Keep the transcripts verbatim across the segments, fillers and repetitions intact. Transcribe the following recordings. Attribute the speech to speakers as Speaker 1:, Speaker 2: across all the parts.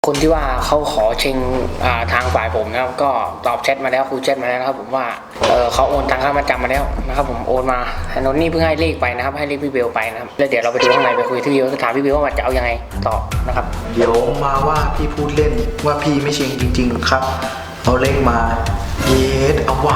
Speaker 1: คนที่ว่าเขาขอเชิงทางฝ่ายผมนะครับก็ตอบแชทมาแล้วคุยแชทมาแล้วนะครับผมว่าเออเขาโอนตังค่ามัดจำมาแล้วนะครับผมโอนมาโนนนี่เพิ่งให้เลขไปนะครับให้เลขพี่เบลไปนะครับแล้วเดี๋ยวเราไปดูข้างในไปคุยที่พี่เบลถามพี่เบลว่าจะเอายังไงต่อนะครับ
Speaker 2: เดี๋ยวมาว่าพี่พูดเล่นว่าพี่ไม่เชิงจริงๆครับเอาเลขมาเยสเอาว่ะ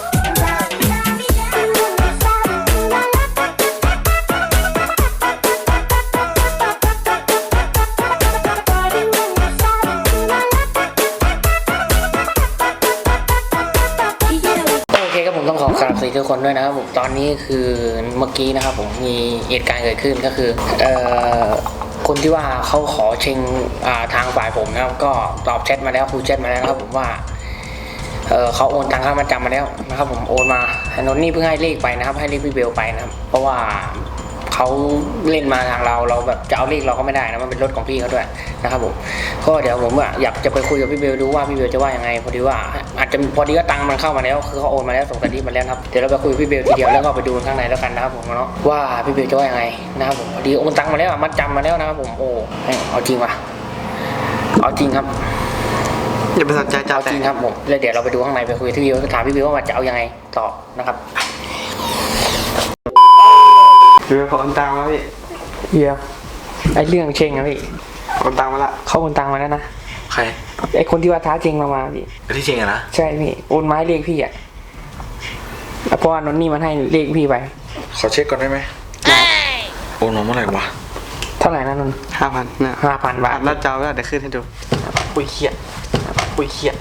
Speaker 1: ต้องขอสวัสดีทุกคนด้วยนะครับผมตอนนี้คือเมื่อกี้นะครับผมมีเหตุการณ์เกิดขึ้นก็คือเอ่อคนที่ว่าเขาขอเชิงทางฝ่ายผมนะครับก็ตอบแชทมาแล้วคุยแชทมาแล้วนะครับผมว่าเออเขาโอนตังค่ามัดจำมาแล้วนะครับผมโอนมาโนนนี่เพิ่งให้เลขไปนะครับให้เลขพี่เบลไปนะครับเพราะว่าเขาเล่นมาทางเราเราแบบจะเอาเลขเราก็ไม่ได้นะมันเป็นรถของพี่เขาด้วยนะครับผมก็เดี๋ยวผมว่าอยากจะไปคุยกับพี่เบลดูว่าพี่เบลจะว่ายังไงพอดีว่าอาจจะพอดีว่าตังค์มันเข้ามาแล้วคือเขาโอนมาแล้วส่งสลิปมาแล้วครับเดี๋ยวเราไปคุยกับพี่เบลทีเดียวแล้วก็ไปดูข้างในแล้วกันนะครับผมเนาะว่าพี่เบลจะว่ายังไงนะครับผมพอดีโอนตังค์มาแล้วมัดจำมาแล้วนะครับผมโอ้เอาจริงว่ะเอาจริงครับ
Speaker 2: อย่าไปสนใจเจ้า
Speaker 1: จริงครับผมแล้วเดี๋ยวเราไปดูข้างในไปคุยกับพี่เบลถามพี่เบลว่าจะเอายังไงต่อนะครับ
Speaker 3: คือเขาโอนตังมาพี่
Speaker 1: เดี๋ยวไอ้เรื่องเชงนะพี่
Speaker 3: โอนตังมาละ
Speaker 1: เขาโอนตังมาแล้วนะ
Speaker 2: ใคร
Speaker 1: ไอ้คนที่ว่าท้าเชงเรามาพี่
Speaker 2: ที่เชงอะนะ
Speaker 1: ใช่พี่โอนไม้เลขพี่อ่ะเพราะว่านนนี่มันให้เลขพี่ไป
Speaker 2: ขอเช็คก่อนได้ไหมโอนมาเมื่อไหร่วะ
Speaker 1: เท่าไหร่นะนน
Speaker 3: ห้าพัน
Speaker 1: เนี่ยห้าพันบาท
Speaker 3: แล้วเจ้าแล้วเดี๋ยวขึ้นให้ดู
Speaker 1: ปุยเขียดปุยเขียด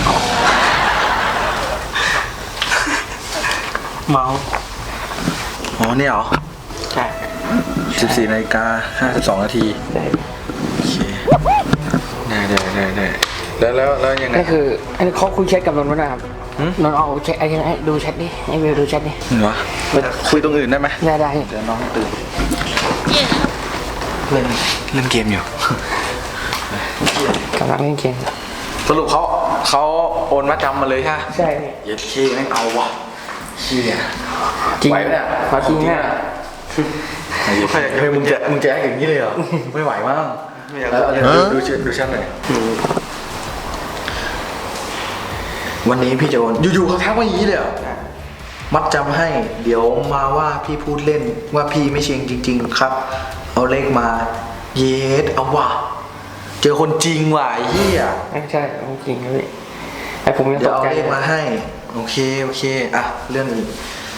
Speaker 3: เมา
Speaker 2: อ๋อเนี่ยเหรอ
Speaker 3: ใช่
Speaker 2: สิบสี่นาฬิกาห้าสิบสองนาที
Speaker 1: ใช่
Speaker 2: โอเคได้ได้ได้ได้แล้วแล้วแล้วยังไง
Speaker 1: ก็คืออันนี้เขาคุยแชทกับนนท์นะครับนนท์เอาแชทไอ้ไอ้ดูแชทดิไอ้เบลดูแชทดิ
Speaker 2: เหรอคุยตรงอื่นได้ไหม
Speaker 1: ได้ได้
Speaker 2: เดี๋ยวน้องตื่นเล่นเล่นเกมอยู่
Speaker 1: กำลังเล่นเกม
Speaker 2: สรุปเขาเขาโอนมาจำมาเลยใช่ไหม
Speaker 1: ใช่
Speaker 2: เย็ดขี้แม่งเอาว่ะขี้เนี่ย
Speaker 1: จริงเนี่ยเขาจริงเนี่ย
Speaker 2: เฮ้ยมึงจะมึงจะแอคอย่างนี้เลยเหรอไม่ไหวมั้งดูดูเชิญดูชั้นหน่อยวันนี้พี่จะโอนอยู่ๆเขาทักมาอย่างนี้เลยเหรอมัดจำให้เดี๋ยวมาว่าพี่พูดเล่นว่าพี่ไม่เชิงจริงๆครับเอาเลขมาเยสเอาว่ะเจอคนจริงว่ะไอ้เหี้ย
Speaker 1: ใช่จริงเลยไอ้ผมยังตกใจ
Speaker 2: เดี๋ยวเอาเลขมาให้โอเคโอเคอ่ะเรื่องนี้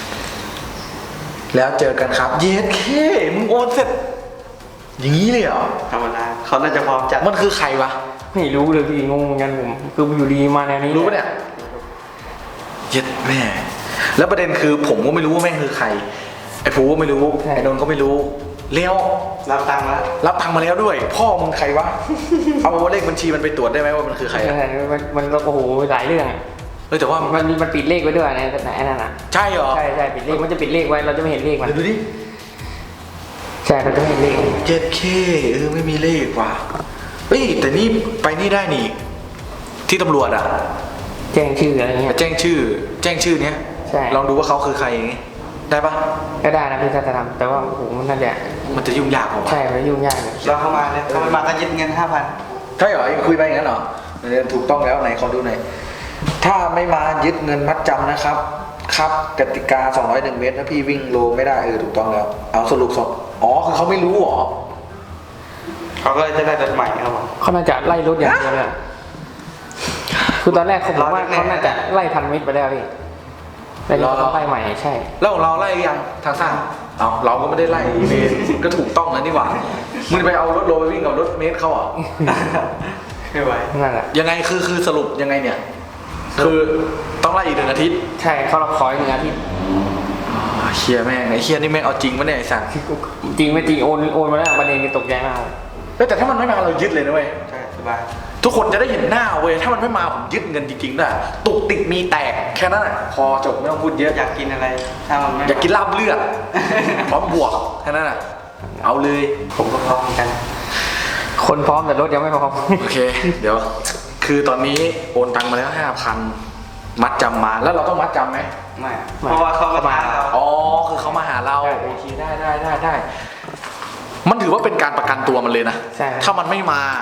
Speaker 2: แล้วเจอกันครับเยสเคมึงโอนเสร็จอย่างนี้เลยเหรอ
Speaker 3: ธรรมดาเขาน่าจะพร้อมจัด
Speaker 2: มันคือใครวะ
Speaker 1: ไม่รู้เลยพี่งงเหมือนกันผมคืออยู่ดีมาแนวนี้
Speaker 2: รู้ปะเนี่ยเย็ดแม่แล้วประเด็นคือผมก็ไม่รู้ว่าแม่งคือใครไอ้ผูก็ไม่รู้ไอ้นนท์ก็ไม่รู้เลี้ยว
Speaker 3: รับตังค์แล้ว
Speaker 2: รับตังค์มาแล้วด้วยพ่อมึงใครวะเอาเลขบัญชีมันไปตรวจได้ไหมว่ามันคือใคร
Speaker 1: มันมันโอ้โหหลายเรื่อง
Speaker 2: เออแต่ว่า
Speaker 1: มันมันปิดเลขไว้ด้วยนะไหนนั่นอ่ะ
Speaker 2: ใช่เหรอ
Speaker 1: ใช่ใช่ปิดเลขมันจะปิดเลขไว้เราจะไม่เห็นเลขมัน
Speaker 2: ดูดิ
Speaker 1: ใช่เราจะไม่เห็นเลข
Speaker 2: เจ็ดเคเออไม่มีเลขว่ะเฮ้ยแต่นี่ไปนี่ได้นี่ที่ตำรวจอ่ะ
Speaker 1: แจ้งชื่ออะไรเงี้ย
Speaker 2: แจ้งชื่อแจ้งชื่อเนี้ย
Speaker 1: ใช่
Speaker 2: ลองดูว่าเขาคือใครอย่างงี้ได้ปะ
Speaker 1: ก็ได้นะพี่ถ้าจะทำแต่ว่าโอ้โหมันน่าจะ
Speaker 2: มันจะยุ่งยากกว่า
Speaker 1: ใช่มันยุ่งยาก
Speaker 3: เราเข้ามาเนี่ยเขาไม่มาก็ยึดเงินห้าพัน
Speaker 2: ใช่เหรอคุยไปอย่างนั้นเหรอถูกต้องแล้วไหนขอดูหน่อยถ้าไม่มายึดเงินมัดจำนะครับครับกติกาสองร้อยหนึ่งเมตรนะพี่วิ่งโลไม่ได้เออถูกต้องแล้วเอาสรุปสองอ๋อคือเขาไม่รู้หรอ
Speaker 3: เขาก็จะได้รถใหม่ครับผม
Speaker 1: เขาน่าจะไล่รถอย่างเดียวเลยคือตอนแรกเขาบอกว่าเขาน่าจะไล่พันเมตรไปแล้วพี่ไล่รถเขาไล่ใหม่ใช่
Speaker 2: แล้วของเราไล่ยังทางสั้นเอาเราก็ไม่ได้ไล่เมตรก็ถูกต้องนะนี่หว่ามึงไปเอารถโลไปวิ่งกับรถเมตรเขาอ่ะ
Speaker 3: ไม่ไหว
Speaker 1: นั่นแหละ
Speaker 2: ยังไงคือคือสรุปยังไงเนี่ยคือต้องไล่อีกหนึ่งอาทิตย์
Speaker 1: ใช่เขาเราขออีกหนึ่งอาทิตย์
Speaker 2: เชียร์แม่งไอ้เชียร์นี่แม่งเอาจริงปะเนี่ยไอ้สัตว์
Speaker 1: จริงไม่จริงโอนโอนมาแล้วประเด็นตกใจมาก
Speaker 2: แต่ถ้ามันไม่มาเรายึดเลยนะเว้ย
Speaker 3: ใช่สบาย
Speaker 2: ทุกคนจะได้เห็นหน้าเว้ยถ้ามันไม่มาผมยึดเงินจริงๆด้วยตุกติกมีแตกแค่นั้นแหละพอจบไม่ต้องพูดเยอะ
Speaker 3: อยากกินอะไรถ้ามันไม่
Speaker 2: อยากกินลาบเลือดพร้อมบวกแค่นั้นแหละเอาเลย
Speaker 3: ผมก็พร้อมกัน
Speaker 1: คนพร้อมแต่รถยังไม่พร้อม
Speaker 2: โอเคเดี๋ยวคือตอนนี้โอนตังมาแล้วห้าพันมัดจำมาแล้วเราต้องมัดจำไหม
Speaker 3: ไม่เพราะว่าเขามาหาเรา
Speaker 2: อ๋อคือเขามาหาเราโอเคได้ได้ได้ได้มันถือว่าเป็นการประกันตัวมันเลยนะถ้ามันไม่มา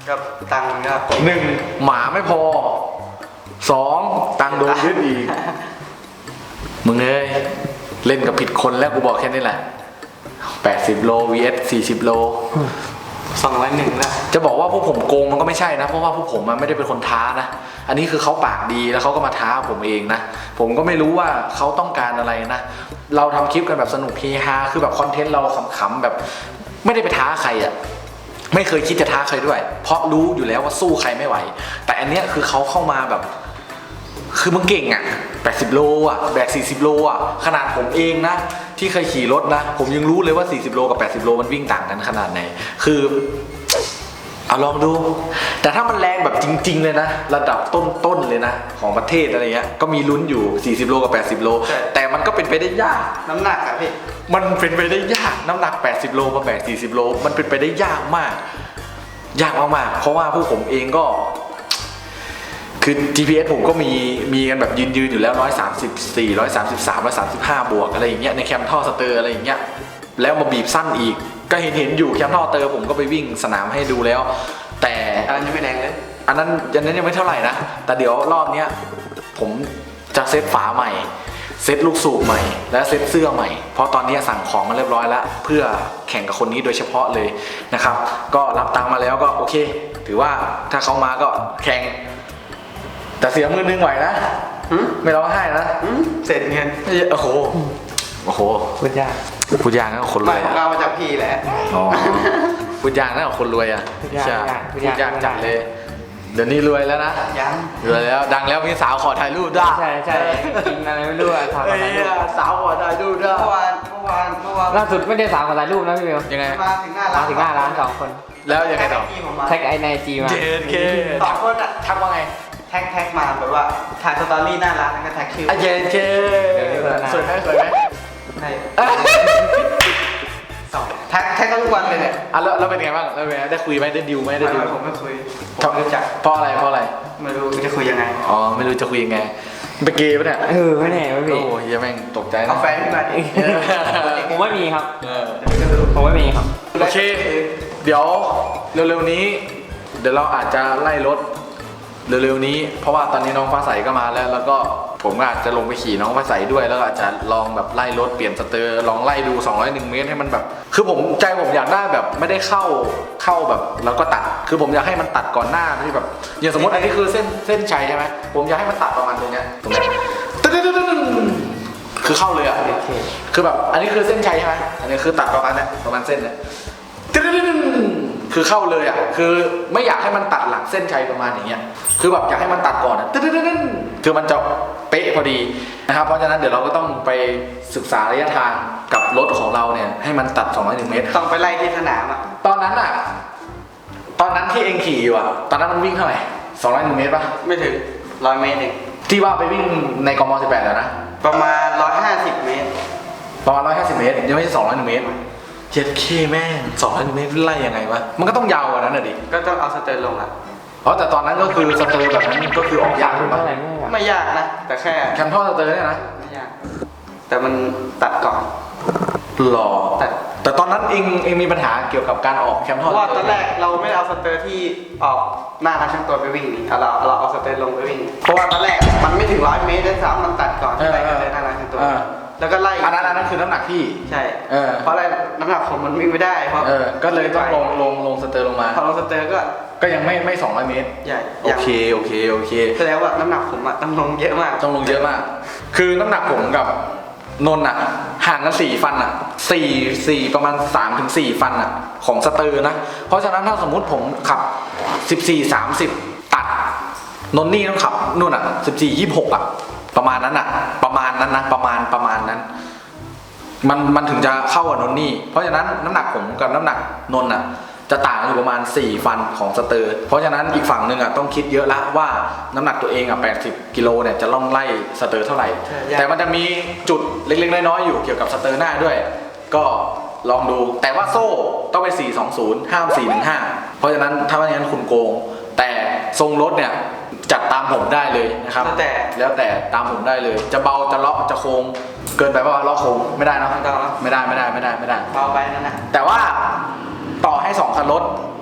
Speaker 3: ก็ตังค์ก็
Speaker 2: หนึ่งหมาไม่พอสองตังค์โดนยึดอีกมึงเอ้ยเล่นกับผิดคนแล้วกูบอกแค่นี้แหละแปดสิบโล วี เอส สี่สิบโล
Speaker 3: สองร้อยหนึ่งแล้ว
Speaker 2: จะบอกว่าพวกผมโกงมันก็ไม่ใช่นะเพราะว่าพวกผมมันไม่ได้เป็นคนท้านะอันนี้คือเขาปากดีแล้วเขาก็มาท้าผมเองนะผมก็ไม่รู้ว่าเขาต้องการอะไรนะเราทำคลิปกันแบบสนุกเฮฮาคือแบบคอนเทนต์เราขำๆแบบไม่ได้ไปท้าใครอ่ะไม่เคยคิดจะท้าใครด้วยเพราะรู้อยู่แล้วว่าสู้ใครไม่ไหวแต่อันเนี้ยคือเขาเข้ามาแบบคือมึงเก่งอ่ะแปดสิบโลอ่ะแบกสี่สิบโลอ่ะขนาดผมเองนะที่เคยขี่รถนะผมยังรู้เลยว่าสี่สิบโลกับแปดสิบโลมันวิ่งต่างกันขนาดไหนคือเอาลองดูแต่ถ้ามันแรงแบบจริงๆเลยนะระดับต้นๆเลยนะของประเทศอะไรเงี้ยก็มีลุ้นอยู่สี่สิบโลกับแปดสิบโลแต่มันก็เป็นไปได้ยาก
Speaker 3: น้ำหนักอะพี่
Speaker 2: มันเป็นไปได้ยากน้ำหนักแปดสิบโลมาแบกสี่สิบโลมันเป็นไปได้ยากมากยากมากๆเพราะว่าผู้ผมเองก็คือ จี พี เอส ผมก็มีมีกันแบบยืนยืนอยู่แล้วหนึ่งร้อยสามสิบสี่ หนึ่งร้อยสามสิบสาม หนึ่งร้อยสามสิบห้าบวกอะไรอย่างเงี้ยในแคมท่อสเตอร์อะไรอย่างเงี้ยแล้วมาบีบสั้นอีกก็เห็นเห็นอยู่แคมท่อสเตอร์ผมก็ไปวิ่งสนามให้ดูแล้วแต่
Speaker 3: อันนั้นยังไม่แรงเลย
Speaker 2: อันนั้นยันนั้นยังไม่เท่าไหร่นะแต่เดี๋ยวรอบเนี้ยผมจะเซตฝาใหม่เซตลูกสูบใหม่และเซตเสื้อใหม่เพราะตอนนี้สั่งของมาเรียบร้อยแล้วเพื่อแข่งกับคนนี้โดยเฉพาะเลยนะครับก็รับตังค์มาแล้วก็โอเคถือว่าถ้าเขามาก็แข่งแต่เสียมือนึงไหวนะไม่ร้องไห้นะ
Speaker 3: เสร็จเงิน
Speaker 2: โอ้โหโอ้โห
Speaker 3: พูดยาก
Speaker 2: พูดยากนะคนรวย
Speaker 3: เรามาจากพี่แหละ
Speaker 2: อ๋อพูดยากนะคนรวยอ่ะใช่พูดยากจังเลยเดี๋ยวนี้รวยแล้วนะ
Speaker 3: ยัง
Speaker 2: รวยแล้วดังแล้วมีสาวขอถ่ายรูปด้วย
Speaker 3: ใช่ใช่กินอะไรไม่รู้อะถ่ายรูป
Speaker 2: สาวขอถ่ายรูปด้วย
Speaker 3: เมื่อวานเมื่อวานเมื่อวาน
Speaker 1: ล่าสุดไม่ได้สาวขอถ่ายรูปนะพี่เบล
Speaker 2: ยังไง
Speaker 3: มาถึงหน้าร้าน
Speaker 1: ถึงหน้าร้านสองคน
Speaker 2: แล้วยังไงต่อ
Speaker 1: แท็กไอในจีมา
Speaker 2: เจนเค
Speaker 3: สองคนอะ
Speaker 2: ทักว่าไง
Speaker 3: แท็กแท็กมาแบบว่าถ่ายสตอรี่หน้าร้านแล้วก็แท็กชื่อ
Speaker 2: เจนเคสวยไหมสวยไหม
Speaker 3: ใช่สองแท็กแท็กทุกวันเลยเนี่ย
Speaker 2: อ่ะแล้วเราเป็นไงบ้างเราได้คุยไหมได้ดิวไหมได้ดิว
Speaker 3: ผมไม่คุยผมไม่รู้จัก
Speaker 2: เพราะอะไรเพราะอะไร
Speaker 3: ไม่รู้จะคุยยังไง
Speaker 2: อ๋อไม่รู้จะคุยยังไงไปเกย์ปะเนี่ย
Speaker 1: เออไม่แน่ไม่มี
Speaker 2: โอ้ยแม่งตกใจนะ
Speaker 3: เอาแฟนขึ้นมาดิ
Speaker 1: ผมไม่มีครับผมไม่มีครับ
Speaker 2: โอเคเดี๋ยวเร็วๆนี้เดี๋ยวเราอาจจะไล่รถเร็วๆนี้เพราะว่าตอนนี้น้องฟ้าใสก็มาแล้วแล้วก็ผมอาจจะลงไปขี่น้องฟ้าใสด้วยแล้วอาจจะลองแบบไล่รถเปลี่ยนสเตอร์ลองไล่ดูสองร้อยเอ็ดเมตรให้มันแบบคือผมใจผมอยากได้แบบไม่ได้เข้าเข้าแบบแล้วก็ตัดคือผมอยากให้มันตัดก่อนหน้าที่แบบอย่างสมมติอันนี้คือเส้นเส้นชัยใช่ไหมผมอยากให้มันตัดประมาณตรงเนี้ยตรงเนี้ยคือเข้าเลยอ่ะคือแบบอันนี้คือเส้นชัยใช่ไหมอันนี้คือตัดประมาณเนี้ยประมาณเส้นเนี้ยคือเข้าเลยอ่ะคือไม่อยากให้มันตัดหลังเส้นชัยประมาณอย่างเงี้ยคือแบบอยากให้มันตัดก่อนตึ๊ดๆๆคือมันจะเป๊ะพอดีนะครับเพราะฉะนั้นเดี๋ยวเราก็ต้องไปศึกษาระยะทางกับรถของเราเนี่ยให้มันตัดสองร้อยหนึ่งเมตร
Speaker 3: ต้องไปไล่ที่สนามอ่ะ
Speaker 2: ตอนนั้นอ่ะตอนนั้นที่เองขี่อยู่อ่ะตอนนั้นมันวิ่งเท่าไหร่สองร้อยหนึ่งเมตรป่ะ
Speaker 3: ไม่ถึงร้อยเมตรเอง
Speaker 2: ที่ว่าไปวิ่งในกมสิบแปดแล้วนะ
Speaker 3: ประมาณร้อยห้าสิบเมตร
Speaker 2: ประมาณร้อยห้าสิบเมตรยังไม่ใช่สองร้อยหนึ่งเมตรเจ็ดเคแม่งสองร้อยเมตรไล่ยังไงวะมันก็ต้องยาวกว่านั้นน่ะดิ
Speaker 3: ก็ต้องเอาสเตอร์ลงอ่ะ
Speaker 2: อ๋อแต่ตอนนั้นก็คือสเตอร์แบบนั้นก็คือออกยากใช่ไหม
Speaker 3: ไม่ยากนะแต่แค่
Speaker 2: แคมท่อสเตอร์เนี่ยนะ
Speaker 3: ไม่ยากแต่มันตัดก่อน
Speaker 2: หล่อแต่แต่ตอนนั้นเองเองมีปัญหาเกี่ยวกับการออกแคมท่อ
Speaker 3: เพราะว่าตอนแรกเราไม่เอาสเตอร์ที่ออกหน้าทางช่างตัวไปวิ่งนี่เราเราเอาสเตอร์ลงไปวิ่งเพราะว่าตอนแรกมันไม่ถึงร้อยเมตรด้วยซ้ำมันตัดก่อนที่ไปกันเลยหน้าทางช่างตัวแล้วก็ไล่
Speaker 2: อันนั้นอันนั้นคือน้ำหนักที่
Speaker 3: ใช่เพราะอะไรน้ำหนักผมมันวิ่งไม่ได้เพราะ
Speaker 2: ก็เลยต้องลงลงลงสเตอร์ลงมา
Speaker 3: พอลงสเตอร์ก็
Speaker 2: ก็ยังไม่ไม่สองร้อยเมตร
Speaker 3: ใช่
Speaker 2: โอเคโอเคโอเค
Speaker 3: แสดงว่าน้ำหนักผมอะต้องลงเยอะมาก
Speaker 2: ต้องลงเยอะมากคือน้ำหนักผมกับนนท์อะห่างกันสี่ฟันอะสี่สี่ประมาณสามถึงสี่ฟันอะของสเตอร์นะเพราะฉะนั้นถ้าสมมุติผมขับสิบสี่สามสิบตัดนนนี่ต้องขับนู่นอะสิบสี่ยี่สิบหกอะประมาณนั้นอะประมาณนั้นนะประมาณประมาณนั้นมันมันถึงจะเข้ากับนนนี่เพราะฉะนั้นน้ำหนักผมกับน้ำหนักนนท์อะจะต่างกันอยู่ประมาณสี่ฟันของสเตอร์เพราะฉะนั้นอีกฝั่งหนึ่งอ่ะต้องคิดเยอะละว่าน้ำหนักตัวเองอ่ะแปดสิบกิโลเนี่ยจะล่องไล่สเตอร์เท่าไหร่แต่มันจะมีจุดเล็กๆน้อยๆอยู่เกี่ยวกับสเตอร์หน้าด้วยก็ลองดูแต่ว่าโซ่ต้องไปสี่สองศูนย์ห้ามสี่หนึ่งห้าเพราะฉะนั้นถ้าไม่งั้นคุณโกงแต่ทรงรถเนี่ยจัดตามผมได้เลยนะครับ
Speaker 3: แล้วแต่
Speaker 2: แล้วแต่ตามผมได้เลยจะเบาจะเลาะจะโค้งเกินไปป่ะเลาะโค้งไม่ได้นะไม่ได้ไม่ได้ไม่ได้ไม่ได้
Speaker 3: เบาไปนั่นนะ
Speaker 2: แต่ว่าต่อให้สองคันรถ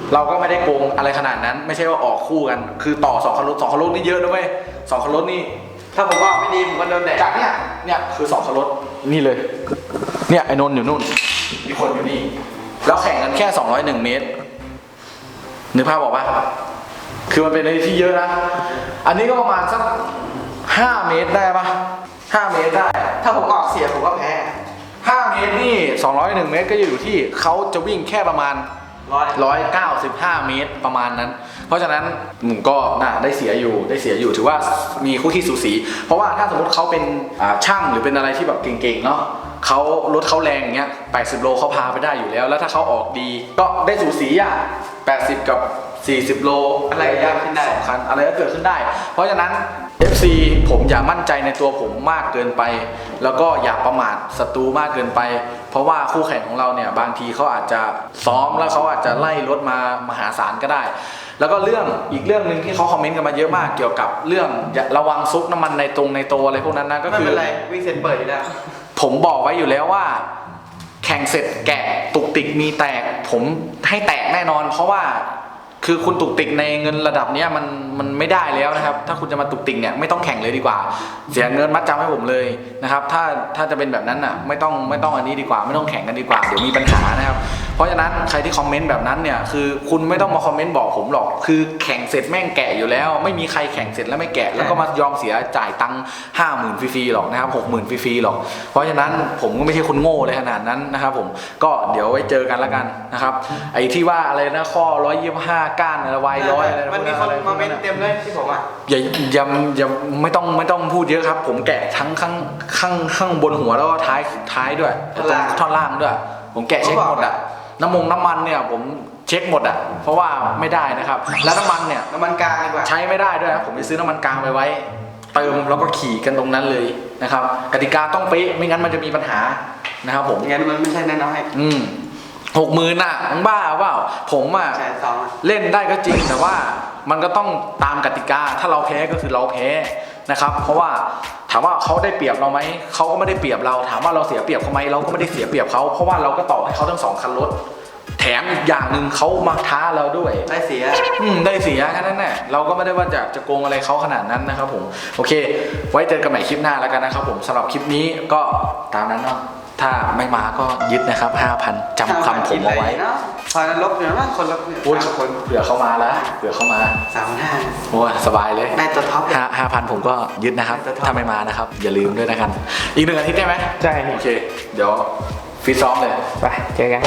Speaker 2: เราก็ไม่ได้โกงอะไรขนาดนั้นไม่ใช่ว่าออกคู่กันคือต่อสองคันรถสองคันรถนี่เยอะนะเว้ยสองคันรถนี่
Speaker 3: ถ้าผมออกไม่ดีผมก็โดนแดด
Speaker 2: จากเนี่ยเนี่ยคือสองคันรถนี่เลยเนี่ยไอ้นนท์อยู่นู่นมีคนอยู่นี่แล้วแข่งกันแค่สองร้อยเอ็ดเมตรนึกภาพบอกว่าคือมันเป็นอะไรที่เยอะนะอันนี้ก็ประมาณสักห้าเมตรได้ปะห้าเมตรได้
Speaker 3: ถ้าผมออกเสียผมก็แพ้
Speaker 2: ห้าเมตรนี่สองร้อยเอ็ดเมตรก็อยู่ที่เขาจะวิ่งแค่ประมาณ
Speaker 3: ร้อย
Speaker 2: หนึ่งร้อยเก้าสิบห้าเมตรประมาณนั้นเพราะฉะนั้นหนูก็น่าได้เสียอยู่ได้เสียอยู่ถือว่ามีคู่ที่สูสีเพราะว่าถ้าสมมติเขาเป็นช่างหรือเป็นอะไรที่แบบเก่งๆเนาะเขารถเขาแรงอย่างเงี้ยแปดสิบโลเขาพาไปได้อยู่แล้วแล้วถ้าเขาออกดีก็ได้สูสีอ่ะแปดสิบกับสี่สิบโล
Speaker 3: อะไรก็เกิดขึ้นได้
Speaker 2: สำคัญอะไรก็เกิดขึ้นได้ เพราะฉะนั้น เอฟ ซี ผมอย่ามั่นใจในตัวผมมากเกินไปแล้วก็อย่าประมาทศัตรูมากเกินไปเพราะว่าคู่แข่งของเราเนี่ยบางทีเขาอาจจะซ้อมแล้วเขาอาจจะไล่รถมามหาศาลก็ได้แล้วก็เรื่องอีกเรื่องหนึ่งที่เขาคอมเมนต์กันมาเยอะมากเกี่ยวกับเรื่องอย่าระวังซุกน้ำมันในตรงในตัวอะไรพวกนั้นนะก็
Speaker 3: ไม่
Speaker 2: คือ
Speaker 3: เป็นไรวิ่งเสร็จเปิดอยู่แล้ว
Speaker 2: ผมบอกไว้อยู่แล้วว่าแข่งเสร็จแกะตุกติกมีแตกผมให้แตกแน่นอนเพราะว่าคือคุณตุกติกในเงินระดับนี้มันมันไม่ได้แล้วนะครับถ้าคุณจะมาตุกติกเนี่ยไม่ต้องแข่งเลยดีกว่าเสียเงินมัดจำให้ผมเลยนะครับถ้าถ้าจะเป็นแบบนั้นอ่ะไม่ต้องไม่ต้องอันนี้ดีกว่าไม่ต้องแข่งกันดีกว่าเดี๋ยวมีปัญหานะครับเพราะฉะนั้นใครที่คอมเมนต์แบบนั้นเนี่ยคือคุณไม่ต้องมาคอมเมนต์บอกผมหรอกคือแข่งเสร็จแม่งแกะอยู่แล้วไม่มีใครแข่งเสร็จแล้วไม่แกะแล้วก็มายอมเสียจ่ายตังค์ห้าหมื่นฟรีๆหรอกนะครับหกหมื่นฟรีๆหรอกเพราะฉะนั้นผมก็ไม่ใช่คนโง่เลยขนาดนั้นนะครับผมก็เดี๋ยวไว้เจอกันแล้วกันนะครับไอ้ที่ว่าอะไรนะข้อร้อยยี่สิบห้าก้านอะไรวายร้อยอะไร
Speaker 3: มันมีคนมาเมนต์เต็มเลยที่ผมอ่ะ
Speaker 2: อย่าอย่าอย่าไม่ต้องไม่ต้องพูดเยอะครับผมแกะทั้งข้างข้างข้างบนหัวแล้วก็ท้ายท้ายด้วยตรงท่อนล่างด้วยผมแกะเช็คหมดอ่ะน้ำมงน้ำมันเนี่ยผมเช็คหมดอ่ะเพราะว่าไม่ได้นะครับแล้วน้ำมันเนี่ย
Speaker 3: น้ำมันกลางดีกว่า
Speaker 2: ใช้ไม่ได้ด้วยนะผมจะซื้อน้ำมันกลางไปไว้เติมแล้วก็ขี่กันตรงนั้นเลยนะครับกติกาต้องเป๊ะไม่งั้นมันจะมีปัญหานะครับผม
Speaker 3: งั้นมันไม่ใช่แน่นอนให้
Speaker 2: อืมหกหมื่นอ่ะมึงบ้าเปล่าผมอ่ะ
Speaker 3: แสนสอง
Speaker 2: เล่นได้ก็จริงแต่ว่ามันก็ต้องตามกติกาถ้าเราแพ้ก็คือเราแพ้นะครับเพราะว่าถามว่าเขาได้เปรียบเราไหมเขาก็ไม่ได้เปรียบเราถามว่าเราเสียเปรียบเขาไหมเราก็ไม่ได้เสียเปรียบเขาเพราะว่าเราก็ต่อให้เขาทั้งสองคันรถแถมอีกอย่างหนึ่งเขามาท้าเราด้วย
Speaker 3: ได้เสีย
Speaker 2: อืมได้เสียแค่นั้นแหละเราก็ไม่ได้ว่าจะจะโกงอะไรเขาขนาดนั้นนะครับผมโอเคไว้เจอกันใหม่คลิปหน้าแล้วกันนะครับผมสำหรับคลิปนี้ก็ตามนั้นเนาะถ้าไม่มาก็ยึดนะครับ ห้าพัน จำคำผมเอาไว้
Speaker 3: พอนั้นลบอยู่นะคนลบเนี่ย
Speaker 2: พูดคนเผื่อเข้ามาแล้วเผื่อเข้ามา
Speaker 3: สามพันห้า
Speaker 2: โอ้ยสบายเลย
Speaker 3: ได้ตัวท็อป
Speaker 2: ห้าห้าพันผมก็ยึดนะครับ
Speaker 3: ได้ตัวท็อป
Speaker 2: ถ้าไม่มานะครับ อย่าลืมด้วยนะครับอีกหนึ่งอาทิตย์ได้ไหม
Speaker 1: ใช่
Speaker 2: โอเค เดี๋ยวฟิตซ้อมเลย
Speaker 1: ไปเจอกัน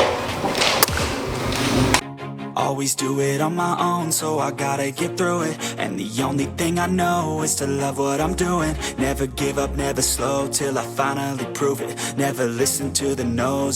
Speaker 4: Always do it on my own, so I gotta get through it. And the only thing I know is to love what I'm doing. Never give up, never slow, till I finally prove it. Never listen to the no's.